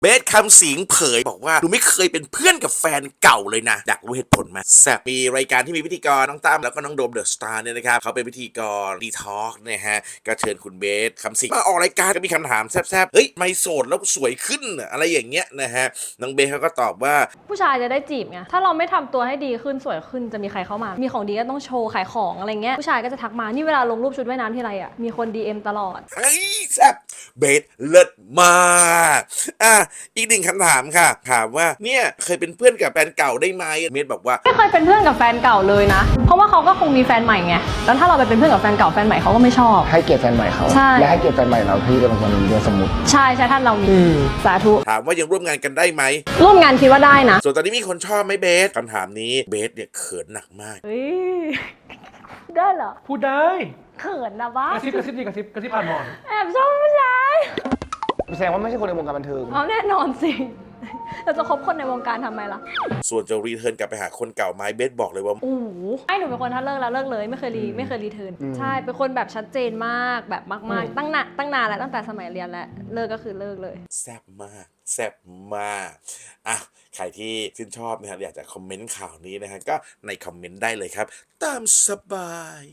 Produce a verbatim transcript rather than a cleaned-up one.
เบสคำสิงเผยบอกว่าหนูไม่เคยเป็นเพื่อนกับแฟนเก่าเลยนะอยากรู้เหตุผลไหมแซ่บมีรายการที่มีพิธีกรน้องตั้มแล้วก็น้องโดมเดอะสตาร์เนี่ยนะครับเขาเป็นพิธีกรดีทอล์กเนี่ยฮะก็เชิญคุณเบสคำสิงมาออกรายการก็มีคำถามแซ่บๆเฮ้ยไม่โสดแล้วสวยขึ้นอะไรอย่างเงี้ยนะฮะน้องเบสเขาก็ตอบว่าผู้ชายจะได้จีบไงถ้าเราไม่ทำตัวให้ดีขึ้นสวยขึ้นจะมีใครเข้ามามีของดีก็ต้องโชว์ขายของอะไรเงี้ยผู้ชายก็จะทักมานี่เวลาลงรูปชุดว่ายน้ำที่ไรอ่ะมีคน ดี เอ็ม ตลอดเฮ้ยแซ่บเบสเลิศมากอ่ะอีกหนึ่งคำถามค่ะถามว่าเนี่ยเคยเป็นเพื่อนกับแฟนเก่าได้ไหมเบสบอกว่าไม่เคยเป็นเพื่อนกับแฟนเก่าเลยนะเพราะว่าเขาก็คงมีแฟนใหม่ไงแล้วถ้าเราไปเป็นเพื่อนกับแฟนเก่าแฟนใหม่เขาก็ไม่ชอบให้เกียรติแฟนใหม่เขาและให้เกียรติแฟนใหม่เราที่เป็นคนเรียนสมมุติใช่ใช่ท่านเรามีสาธุถามว่ายังร่วมงานกันได้ไหมร่วมงานคิดว่าได้นะส่วนตอนนี้มีคนชอบไหมเบสคำถามนี้เบสเนี่ยเขินหนักมากเฮ้ยได้เหรอพูดได้เขินนะบ้ากระซิบกระซิบดีกระซิบกระซิบผ่านหมอนแอบชอบผู้ชายแสดงว่าไม่ใช่คนในวงการบันเทิงเอาแน่นอนสิเราจะคบคนในวงการทำไมล่ะส่วนจะรีเทิร์นกลับไปหาคนเก่าไหมเบสบอกเลยว่าโอ้โหให้หนูเป็นคนถ้าเลิกแล้วเลิกเลยไม่เคยรีไม่เคยรีเทิร์นใช่เป็นคนแบบชัดเจนมากแบบมากๆตั้งนานตั้งนานแล้วตั้งแต่สมัยเรียนแล้วเลิกก็คือเลิกเลยแซ่บมากแซ่บมากอ่ะใครที่ชื่นชอบนะครับอยากจะคอมเมนต์ข่าวนี้นะฮะก็ในคอมเมนต์ได้เลยครับตามสบาย